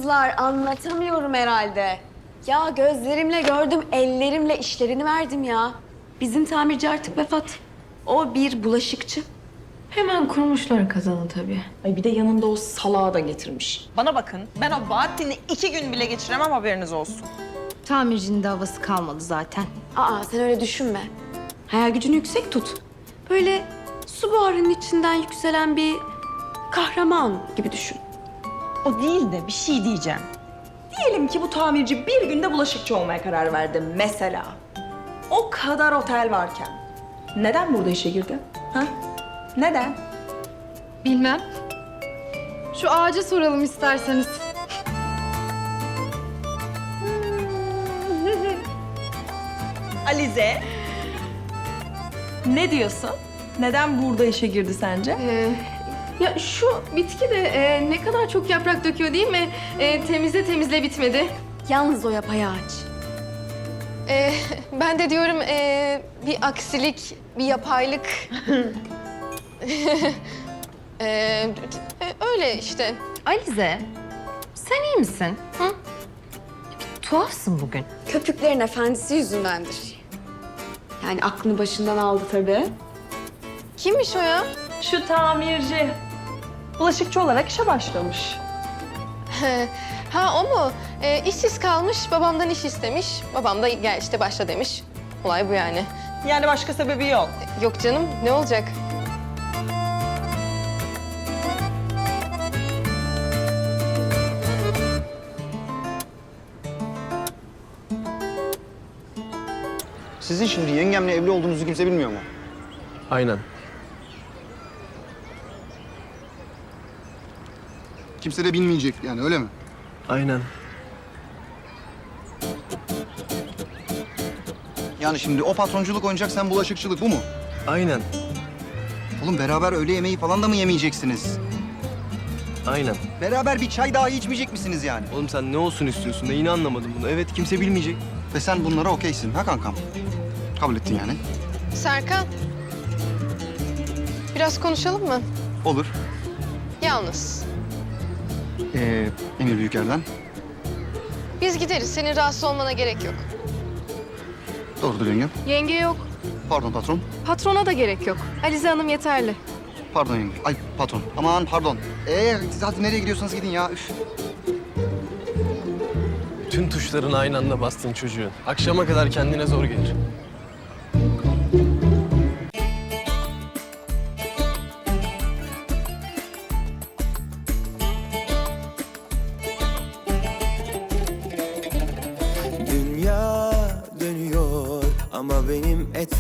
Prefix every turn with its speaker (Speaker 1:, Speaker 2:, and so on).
Speaker 1: kızlar, anlatamıyorum herhalde. Ya gözlerimle gördüm, ellerimle işlerini verdim ya. Bizim tamirci artık vefat. O bir bulaşıkçı.
Speaker 2: Hemen kurmuşlar kazanı tabii.
Speaker 3: Ay bir de yanında o salağı da getirmiş.
Speaker 4: Bana bakın, ben o Bahattin'i 2 gün bile geçiremem, haberiniz olsun.
Speaker 2: Tamircinin de havası kalmadı zaten.
Speaker 1: Aa, sen öyle düşünme. Hayal gücünü yüksek tut. Böyle su buharının içinden yükselen bir kahraman gibi düşün.
Speaker 3: O değil de bir şey diyeceğim. Diyelim ki bu tamirci bir günde bulaşıkçı olmaya karar verdi mesela. O kadar otel varken. Neden burada işe girdi? Ha? Neden?
Speaker 2: Bilmem. Şu ağaca soralım isterseniz.
Speaker 3: Alize. Ne diyorsun? Neden burada işe girdi sence?
Speaker 2: Ya şu bitki de ne kadar çok yaprak döküyor değil mi? Temizle temizle bitmedi.
Speaker 1: Yalnız o yapayağaç.
Speaker 2: Ben de diyorum bir aksilik, bir yapaylık. Öyle işte.
Speaker 5: Alize, sen iyi misin? Hı? Bir tuhafsın bugün.
Speaker 1: Köpüklerin efendisi yüzündendir. Yani aklını başından aldı tabii.
Speaker 2: Kimmiş o ya?
Speaker 3: Şu tamirci. Bulaşıkçı olarak işe başlamış.
Speaker 2: Ha o mu? İşsiz kalmış, babamdan iş istemiş. Babam da gel işte başla demiş. Olay bu yani.
Speaker 4: Yani başka sebebi yok.
Speaker 2: Yok canım, ne olacak?
Speaker 6: Sizin şimdi yengemle evli olduğunuzu kimse bilmiyor mu?
Speaker 7: Aynen.
Speaker 6: Kimse de bilmeyecek yani, öyle mi?
Speaker 7: Aynen.
Speaker 6: Yani şimdi o patronculuk oynayacak, sen bulaşıkçılık, bu mu?
Speaker 7: Aynen.
Speaker 6: Oğlum beraber öğle yemeği falan da mı yemeyeceksiniz?
Speaker 7: Aynen.
Speaker 6: Beraber bir çay dahi içmeyecek misiniz yani?
Speaker 7: Oğlum sen ne olsun istiyorsun? Neyini anlamadım bunu? Evet, kimse bilmeyecek.
Speaker 6: Ve sen bunlara okeysin ha kankam? Kabul ettin yani.
Speaker 2: Serkan. Biraz konuşalım mı?
Speaker 6: Olur.
Speaker 2: Yalnız.
Speaker 6: Emir Büyüker'den.
Speaker 2: Biz gideriz. Senin rahatsız olmana gerek yok.
Speaker 6: Doğrudur yengem.
Speaker 2: Yenge yok.
Speaker 6: Pardon patron.
Speaker 2: Patrona da gerek yok. Alize Hanım yeterli.
Speaker 6: Pardon yenge. Ay patron. Aman pardon. Siz hadi nereye gidiyorsanız gidin ya. Üf.
Speaker 7: Tüm tuşlarını aynı anda bastın çocuğun. Akşama kadar kendine zor gelir.
Speaker 8: Dünya dönüyor ama benim